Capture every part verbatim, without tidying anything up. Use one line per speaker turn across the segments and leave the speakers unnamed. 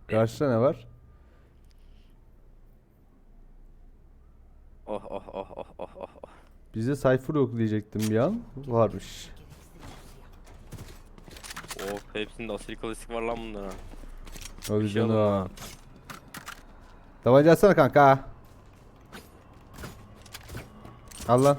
Karşıda ne var?
Oh oh oh oh oh oh oh.
Bize Cypher yok diyecektim bir an. Varmış.
Oh, hepsinde asil klasik var lan bunlara.
O
Bir şey
yüzden
alın
o.
lan.
Tabanca atsana kanka. Al lan.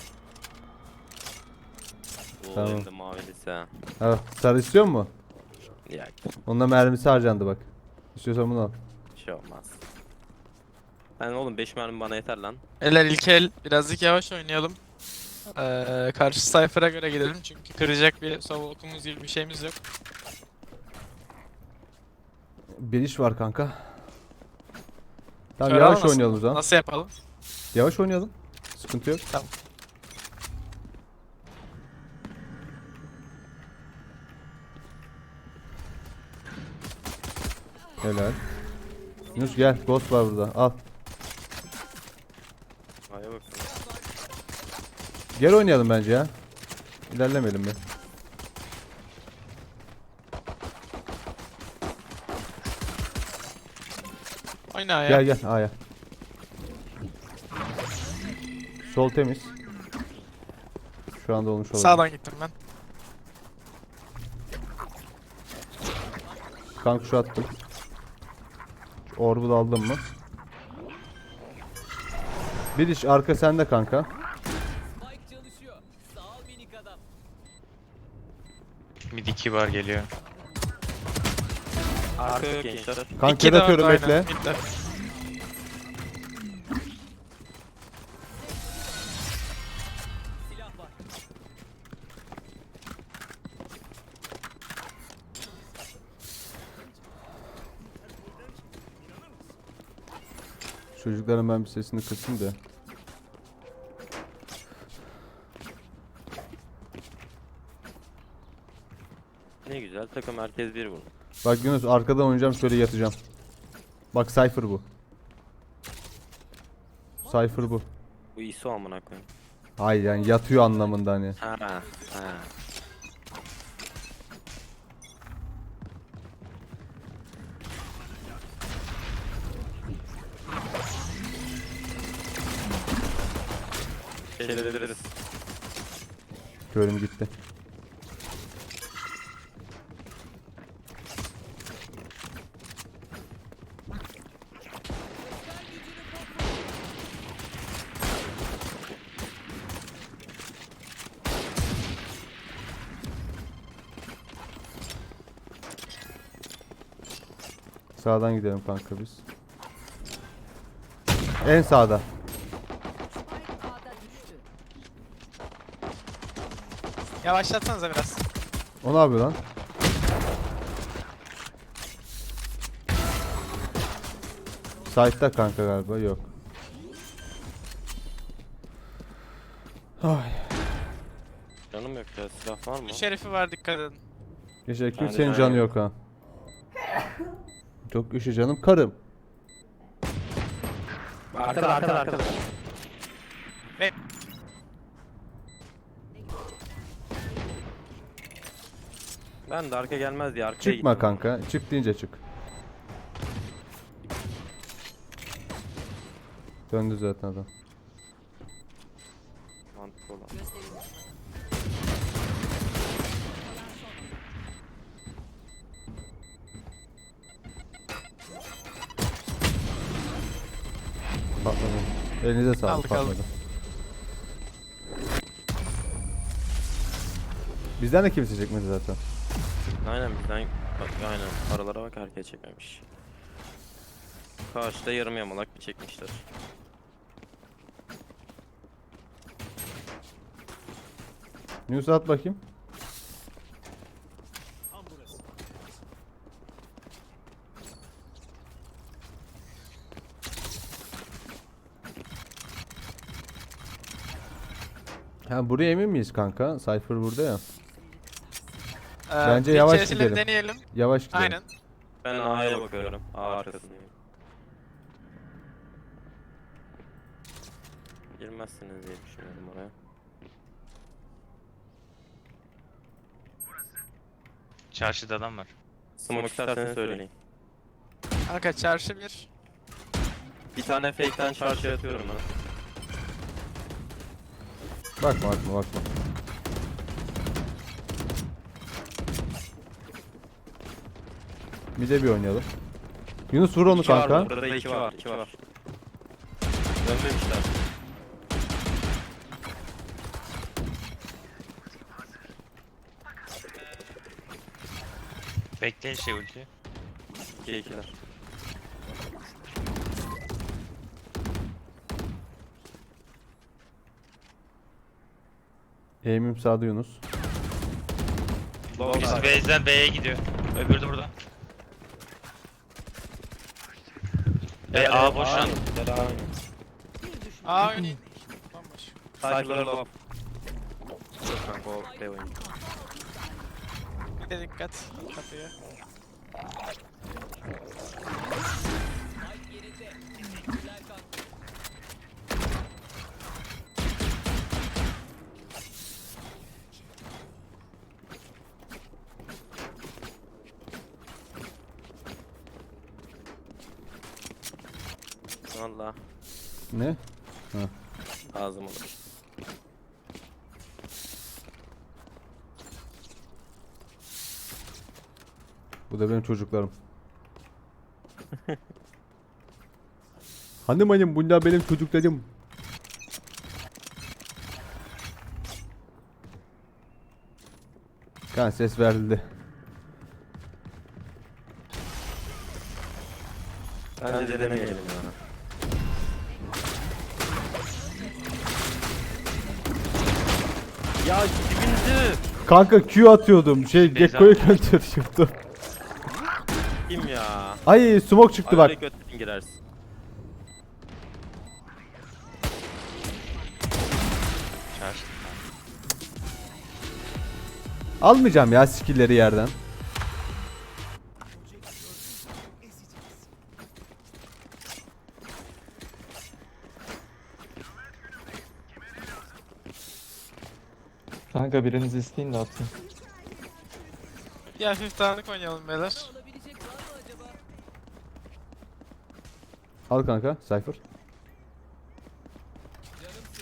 Oo,
Tamam.
hem de mavilisi ha.
Ha, sarı istiyor mu?
Ya
Onda mermisi harcandı bak. İstiyorsan bunu al.
bir şey olmaz. Ben oğlum beş mermi bana yeter lan.
Eller ilk el birazcık yavaş oynayalım. Ee, karşı sayfara göre gidelim çünkü kıracak bir sovulkumuz gibi bir şeyimiz yok.
Bir iş var kanka. Tamam
Kör
yavaş
almasın
oynayalım o
mı?
zaman.
Nasıl yapalım?
Yavaş oynayalım. Sıkıntı yok.
Tamam.
Helal. Yunus gel. Ghost var burada. Al.
Hadi bakalım.
Gel oynayalım bence ya. İlerlemeyelim mi?
Oyna ya.
Gel gel A'ya. Sol temiz. Şu anda olmuş olabilir.
Sağdan gittim ben.
Kanka şu attım. Şu orbu da aldım mı? Bir iş arka sende kanka.
Spike çalışıyor. Sağ ol minik adam.
Mid iki var geliyor.
Arka yok gençler.
Kanka
İki de
atıyorum
orada,
bekle.
aynen, midde.
Silah var.
Çocukların ben bir sesini kısayım da.
Ne güzel takım herkes bir vurur.
Bak Yunus arkadan oynayacağım şöyle yatacağım. Bak Cypher bu. Cypher bu.
Bu I S O amına koyayım.
Hayır yani yatıyor anlamında hani.
Ha ha. Şeyleri
Körüm gitti. Sağdan gidelim kanka biz. En sağda.
Spike A'da düştü.
Yavaşlatsanıza biraz.
O ne yapıyor lan? Side'da kanka galiba yok. Ay.
Canım yok ya, silah var mı?
Bir şerifi var, dikkat edin.
Teşekkür
Bende
senin
can
canı
yok.
yok ha. Çok güçlü canım karım.
Arkada arkada arkada.
Ve
Ben de arka gelmez diye arkaya
Çıkma
gittim.
kanka. Çık deyince çık. Döndü zaten adam.
Mantıklı olan.
Patladı. Elinize sağlık
Aldık,
patladı.
aldık.
Bizden de kimse çekmedi zaten.
Aynen bizden bak, aynen aralara bak herkes çekmemiş. Karşıda yarım yamalak bir çekmişler.
News at bakayım. Ha buraya emin miyiz kanka? Cypher burada ya.
e,
Bence
bir
yavaş
keresini
gidelim.
deneyelim.
Yavaş gidelim.
Aynen.
Ben A'ya bakıyorum. A arkasındayım. Girmezsiniz diye düşünüyorum oraya.
Çarşıda adam var.
Smoke isterseniz söyleyin.
Kanka çarşı bir.
Bir tane fake'ten çarşı atıyorum ben.
Bakma bakma bakma. Bir de bir oynayalım. Yunus vur onu
İki var
kanka.
burada, iki var, iki var. Dönmemişler.
Bekleyin şey ulti.
İki ikiler.
Aim'im sağda Yunus.
Low
Birisi
var.
base'den B'ye gidiyor. Öbürü de burada. B A boş lan.
Devam.
Bir düşman.
Aa oynayın. Bomboş.
Cypher'ları low. Çok kanka o B oyunu.
Bir de dikkat kapıya.
Spike yerinde. Güzel kalktı.
Valla
Ne?
lazım olur.
Bu da benim çocuklarım. Hanım hanım bunlar benim çocuklarım. Kan ses verildi.
Bence de denemeyelim ya. Ya dibinde.
Kanka Q atıyordum. Şey
Beyza.
Gekko'ya gönderiyordum.
Kim ya?
Ay smoke çıktı bak.
Araya götün girersin.
Çarşı.
Almayacağım ya skill'leri yerden.
Kanka biriniz isteyin de atayım.
Bir hafif dağınık oynayalım beyler.
Alabilecek var mı acaba?
Al kanka Cypher.
Canımsın.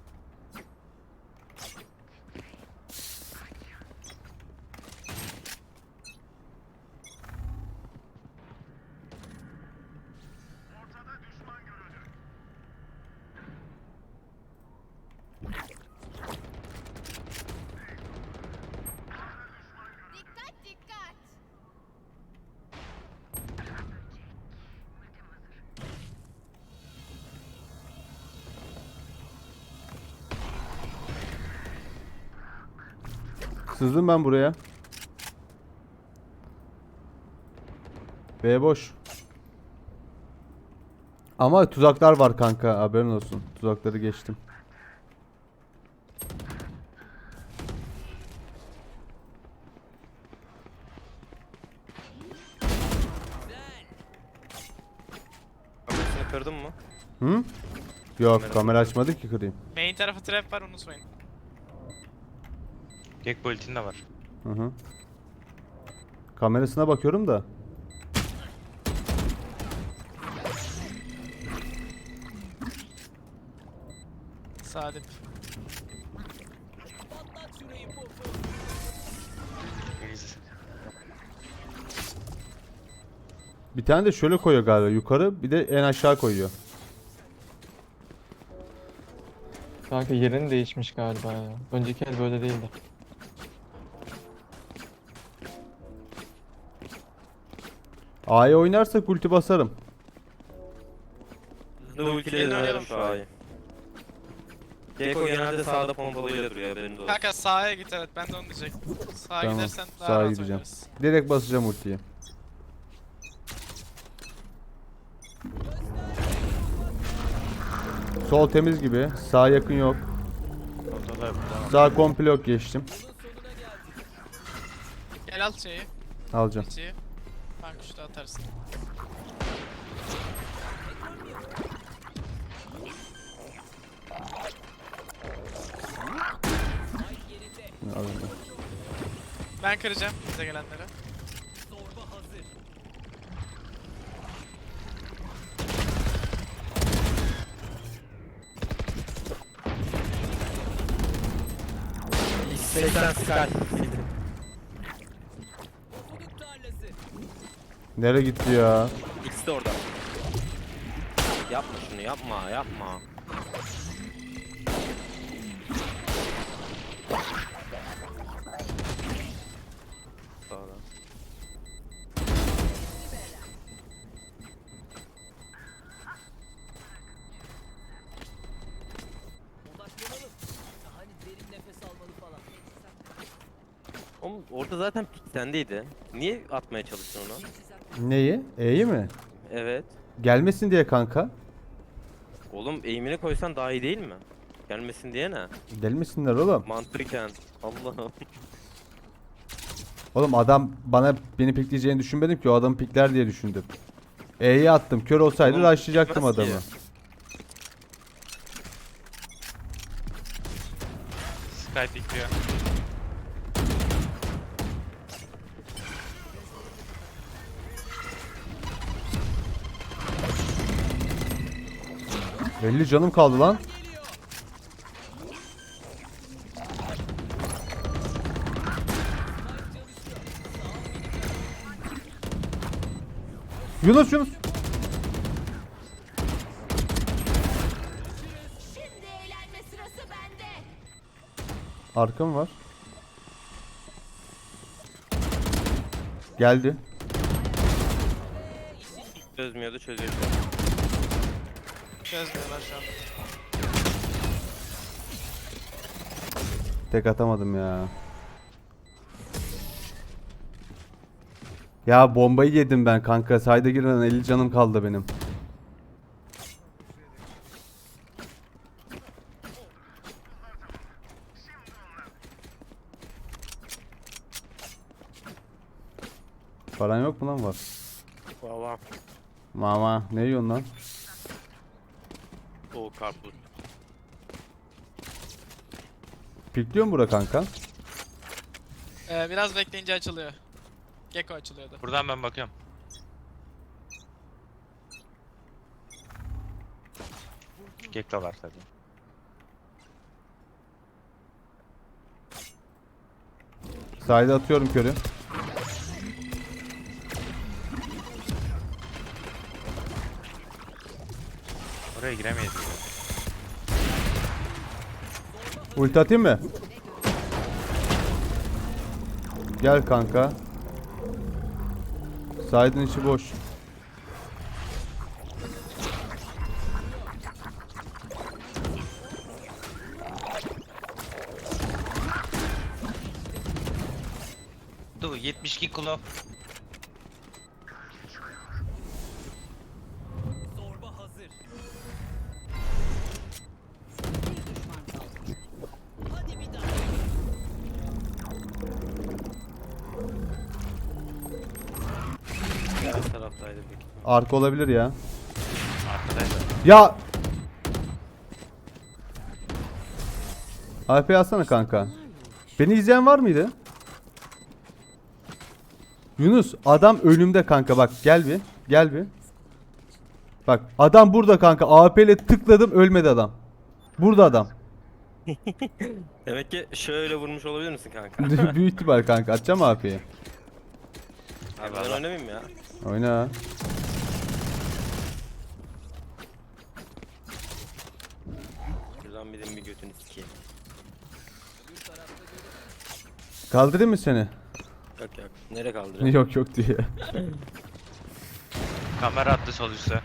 Dikkat dikkat.
Sızdım ben buraya. B boş. Ama tuzaklar var kanka haberin olsun. Tuzakları geçtim.
Kamerasını kırdın mı?
Hı? Yok kamera açmadı ki kırayım.
Main tarafı trap var unutmayın.
Gekko ultin de var.
Hı hı. Kamerasına bakıyorum da.
Sadip.
Patlat şurayı popu.
İyiyiz.
Bir tane de şöyle koyuyor galiba yukarı bir de en aşağı koyuyor.
Kanka yerini değişmiş galiba ya. Önceki el böyle değildi.
A'ya oynarsak ulti basarım.
Hızlı ultiyle dönelim şu A'yı. Gekko genelde sağda pompalıyla duruyor haberiniz olsun.
Kanka sağa git evet ben de onu diyecektim. Sağa
Tamam,
gidersen daha
sağa
rahat
gideceğim.
oynarız.
Direkt basacağım ultiyi. Sol temiz gibi. Sağ yakın yok.
Ortalar burada.
Sağ komple yok geçtim.
Bunun sonuna geldik.
Gel al şeyi.
Alacağım.
İçiyi. Kanka şurada atarsın.
Alayım.
Ben kıracağım bize gelenlere.
Zorba hazır.
seksen Sky.
Pofuduk tarlası.
Nereye gitti ya?
İkisi de orada. Yapma şunu, yapma, yapma. Sağda.
Odaklanalım. Hani derin nefes almalı falan.
Oğlum orada zaten pik sendeydi. Niye atmaya çalıştın onu?
Neyi? E'yi mi?
Evet.
Gelmesin diye kanka.
Oğlum eğimini koysan daha iyi değil mi? Gelmesin diye ne?
Gelmesinler oğlum.
Mantıken. Allah'ım.
Oğlum adam bana beni pikleyeceğini düşünmedim ki, o adamı pikler diye düşündüm. E'yi attım. Kör olsaydı
Oğlum,
rushlayacaktım
gitmez ki.
adamı.
Sky pikliyor.
elli canım kaldı lan. Yunus Yunus.
Şimdi eğlenme sırası bende.
Arkam var. Geldi.
Çözmüyordu, çözüyor.
Çözmüyorlar şu an.
Tek atamadım ya. Ya bombayı yedim ben kanka. Sayda girmeden elli canım kaldı benim. Paran yok mu lan? Var.
Valla.
Mama ne yiyorsun lan?
O karpuz.
Pikliyor mu bura kanka?
Ee, biraz bekleyince açılıyor. Gecko açılıyordu.
Buradan ben bakıyorum. Gekko var tabii.
Sayda atıyorum körü.
Oraya giremeyiz.
Ulti atayım mı? Gel kanka. Saydın içi boş.
Dur yetmiş iki kilo.
Zorba hazır. Hadi bir daha.
Diğer taraftaydı büyük ihtimal.
Arka olabilir ya.
Arkadaydı.
Ya! A P alsana kanka. Beni izleyen var mıydı? Yunus adam önümde kanka, bak gel bir. Gel bir. Bak adam burada kanka. A P ile tıkladım, ölmedi adam. Burada adam.
Demek ki şöyle vurmuş olabilir misin kanka?
Büyük ihtimal kanka. Atacağım A P'yi.
Abi ben
Eyvallah.
oynamayayım ya.
Oyna.
Şuradan bir de bir götünü sikeyim.
Kaldırayım mı seni?
Yok yok. Nereye kaldırıyor?
Yok yok diye.
Kamera attı sol üstte.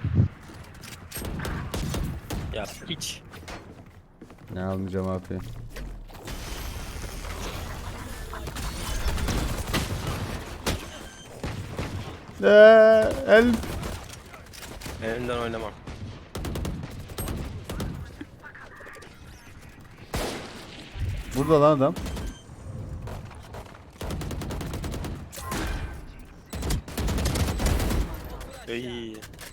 Ya hiç.
Ne almayacağım A P'yi. Eee, el.
Elimden oynamam.
Burada lan adam.
İyi.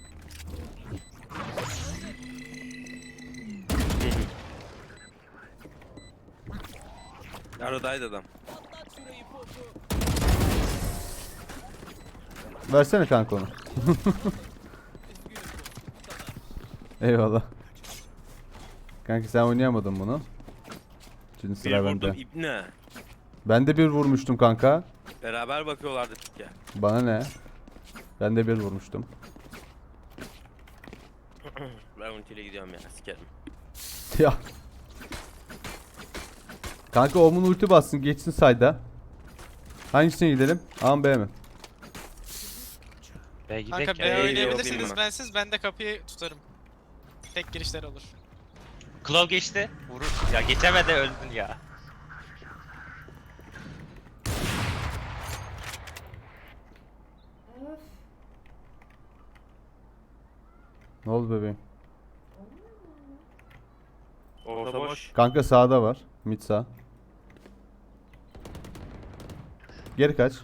Aradaydı adam.
Patlat şurayı popu.
Versene kanka onu. Eyvallah. Kanka sen oynayamadın bunu. Şimdi
Bir
sıra
vurdum
bende.
ibne.
Ben de bir vurmuştum kanka.
Beraber bakıyorlardı çünkü.
Bana ne? Ben de bir vurmuştum.
Ben ultiyle gidiyorum ya, sikerim.
Ya. Kanka Omun ulti bassın geçsin sayda. Hangisine gidelim? A mı B mi?
Be
Kanka
gidek
B
ya.
B'ye
oynayabilirsiniz
gidiyorum,
bensiz, ben de kapıyı tutarım. Tek girişler olur.
Claw geçti. Vurur. Ya geçemedi öldün ya.
Ne oldu bebeğim?
Orta boş.
Kanka sağda var. Mid sağ. Geri kaç.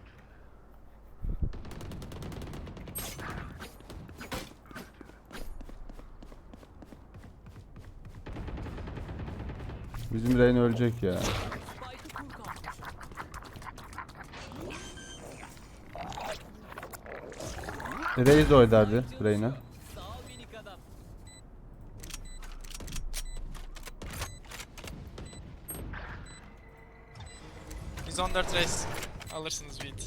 Bizim Reyna ölecek ya.
Spike'ı kur kalmış.
Reis oydardı Reyna.
Sağ ol minik adam.
yüz on dört race. Alırsınız beat.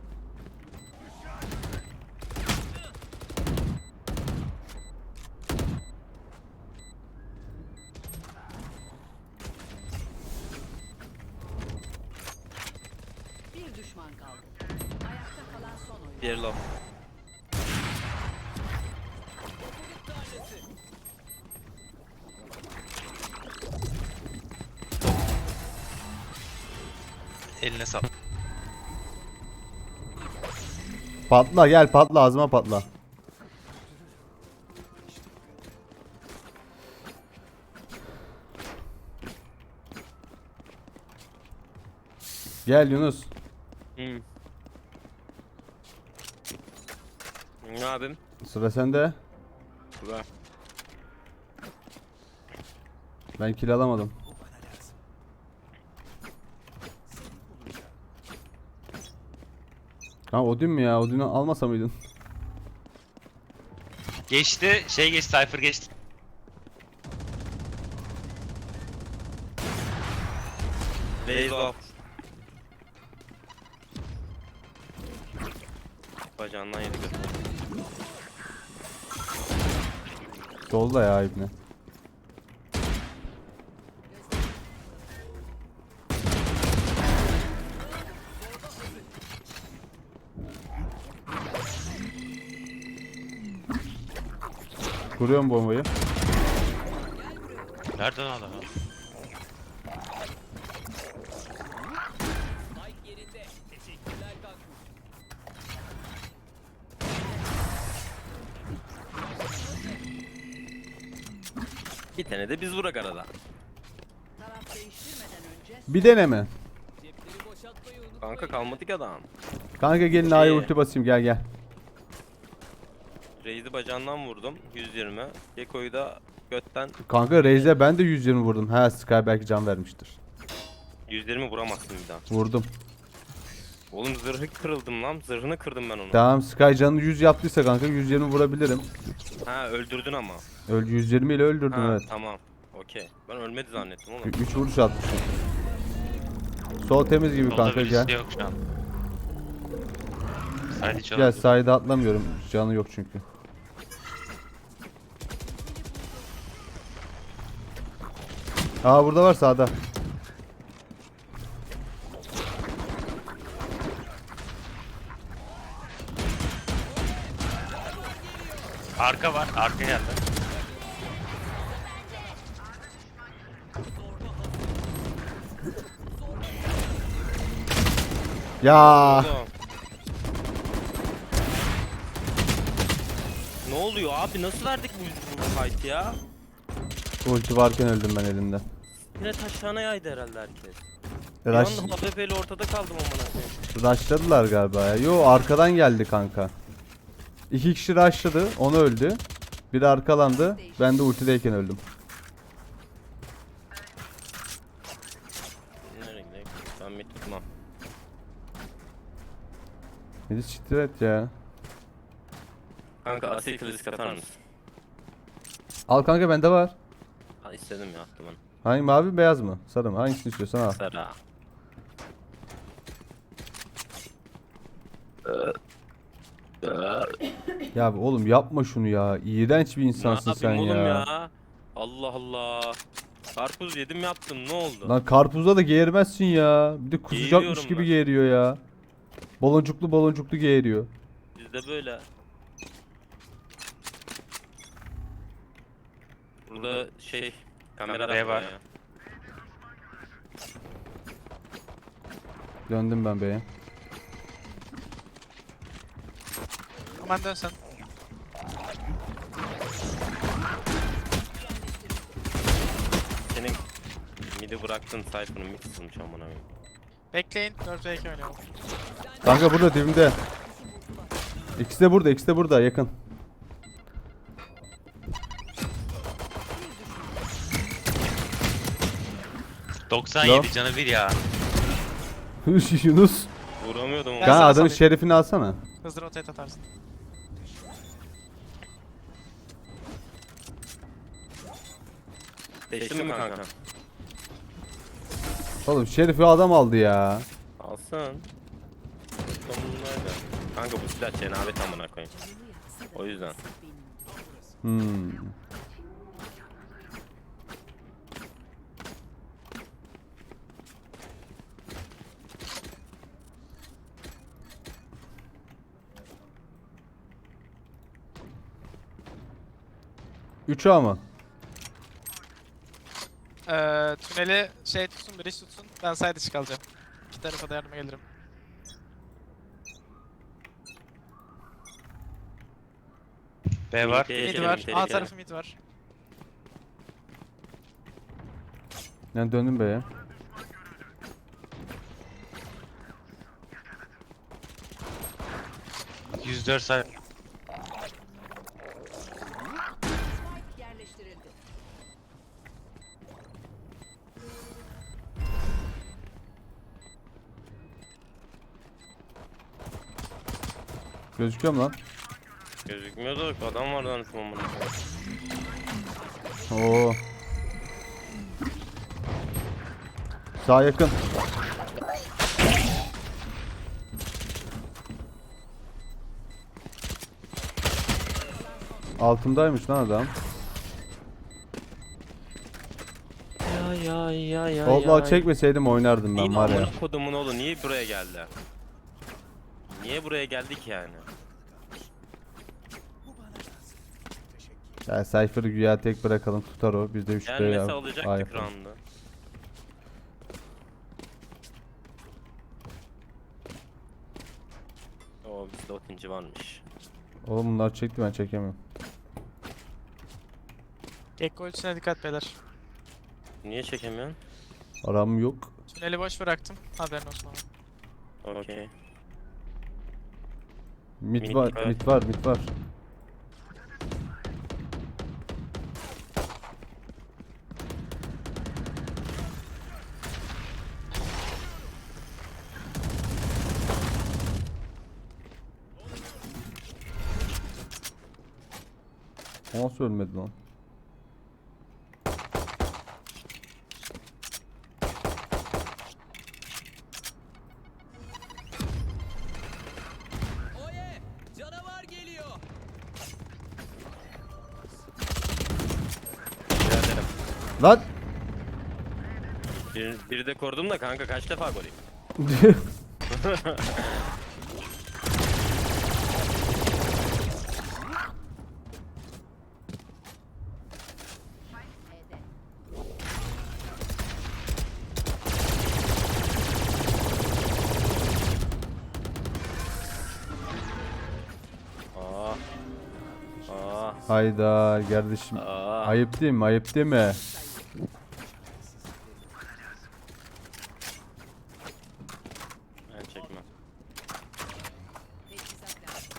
Bir düşman kaldı. Ayakta kalan son oyun.
Diğeri low.
Eline sağlık.
Patla gel patla ağzıma patla. Gel Yunus.
Hmm. Ne abim?
Sıra sende.
Güzel.
Ben kill alamadım. Ha Odin mi ya? Odin'i almasa mıydın?
Geçti. Şey geçti. Cypher geçti.
Raise off. Bacağından yedi götürdü.
Solda ya ibne. Kuruyorum bombayı.
Nereden adam?
Spike yerinde. Teşekkürler kanka.
Bir tane de biz vurak arada.
Taraf değiştirmeden önce
Bir deneme.
Cepleri boşaltmayı unutmayın.
Kanka kalmadı ki adam.
Kanka gelin A'ya
İyi.
ulti basayım gel gel.
Raze'i bacağından vurdum. yüz yirmi. Gekko'yu da götten
Kanka Raze'e ben de yüz yirmi vurdum. Ha Sky belki can vermiştir.
yüz yirmi vuramazsın bir daha.
Vurdum.
Oğlum zırhı kırıldım lan. Zırhını kırdım ben onu.
Tamam Sky canını yüz yaptıysa kanka yüz yirmi vurabilirim.
Ha öldürdün ama.
Öl yüz yirmi ile öldürdüm
Ha
evet.
tamam. Okey. Ben ölmedi zannettim oğlum.
üç vuruş atmışım. Sol temiz gibi
Solda
kanka
birisi
gel.
yok şu an. Sadece
Gel
çalıyor.
sahide atlamıyorum. Canı yok çünkü. Aa burada var sağda.
Arka var. Arka geldi.
Ya
Oğlum. Ne oluyor abi? Nasıl verdik bu, bu fight ya?
ulti varken öldüm ben elinden.
Yine taşağına yaydı herhalde herkes.
Rush,
Bir anda H P ile ortada kaldım amına koyayım.
rushladılar galiba ya. Yo arkadan geldi kanka. İki kişi rushladı. Onu öldü. Biri arkalandı. Ben de ultideyken öldüm.
Nereye gidelim? Ben mid tutmam.
Beni siktir et ya.
Kanka asil klasik atar mısın?
Al kanka bende var.
Ha istedim ya attım onu.
Hangi mavi beyaz mı? Sarı mı? Hangisini istiyorsan al.
Sera.
Ya oğlum yapma şunu ya. İğrenç bir
Ne
insansın sen
yapayım oğlum
ya.
ya? Allah Allah. Karpuz yedim yaptım ne oldu?
Lan karpuza da geğirmezsin ya. Bir de kusacakmış
Geğiriyorum
gibi
ben.
geğiriyor ya. Baloncuklu baloncuklu geğiriyor.
Bizde böyle. Burada şey kamera
B
var
var.
ya.
Döndüm ben beye.
Aman dön sen.
Senin midi bıraktın Cypher'ın mid kısılmış amına koyayım.
Bekleyin. dört ve iki oynayalım.
Kanka burada dibimde. İkisi de burada, ikisi de burada yakın.
doksan
Lo.
yedi canı bir ya.
Yunus.
Vuramıyordum
Ben
ama.
Kanka
sana
adamın
salayım.
şerefini alsana.
Hızlı rotate atarsın.
Değiştin mi kanka?
Oğlum şerifi adam aldı ya.
Alsın. Sonundaydı. Kanka bu silah cenabet amına koyayım. O yüzden.
Hmm. üç A mı?
Ee, tüneli şey tutsun, bridge tutsun. Ben side dışı kalacağım. İki tarafa da yardıma gelirim.
B var.
Tehlikeli,
Mid
tehlikeli,
var. A
tehlikeli.
tarafı mid var.
Ben döndüm beye.
yüz dört say.
Yerleştirildi.
Gözüküyor mu lan?
Gözükmüyordu. Adam vardı lan şu amına koyayım.
Oo. Sağ yakın. Altındaymış lan adam.
Ya ya ya ya
Vallahi çekmeseydim oynardım ben
Yine
var ya.
amına kodumun oğlu niye buraya geldi? Niye buraya geldik yani?
Ya Cypher'ı güya tek bırakalım tutar o. Biz de üç B
Gelmese
ya.
alacaktık round'u. Oo bizde otinci varmış.
Oğlum bunlar çekti ben çekemiyorum.
Gekko ultisine dikkat beyler.
Niye çekemiyorsun?
Aram yok.
Tüneli boş bıraktım. Haberin olsun ama.
Okey.
Mid
Mid
var,
var.
mid var, mid var. O nasıl ölmedi lan?
Oye! Canavar geliyor.
Biraderim.
Lan!
Bir, biri de korudum da kanka kaç defa gol yedin? Aa. Aa.
Hayda kardeşim.
Aa.
Ayıp değil mi? Ayıp değil mi?
Ben çekmem.
Teçhizat lazım.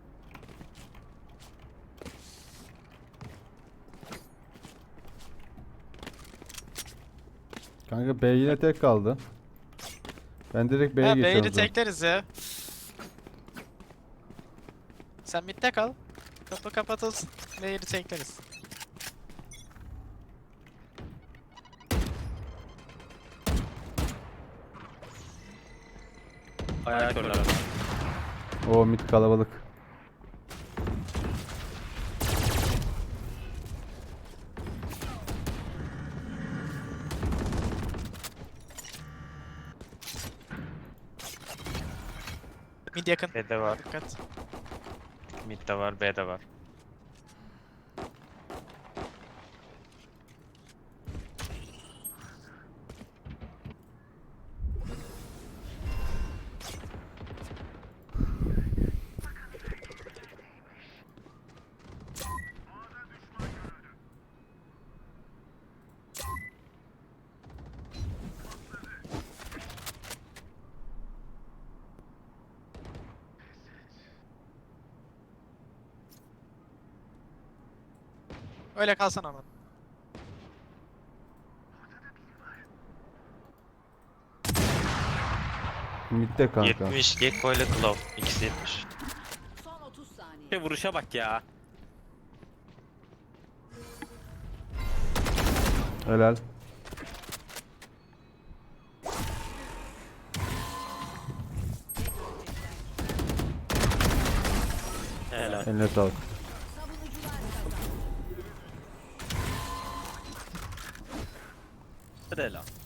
Kanka B yine tek kaldı. Ben direkt B'ye
Ha
geçiyorum.
B'yi
o zaman.
tekleriz ya. Sen midde kal. Kapı kapatılsın. B'yi tekleriz.
Ayak körler.
O mid kalabalık.
Mid yakın.
B'de var.
Dikkat.
Mid'de var. B'de var.
Öyle kalsana ama.
Midde kanka.
yetmiş. Gekko ile Claw. İkisi yetmiş.
Son otuz saniye.
Şey vuruşa bak ya.
Helal.
Helal.
Eline sağlık.
Savunucular kazandı.
Helal.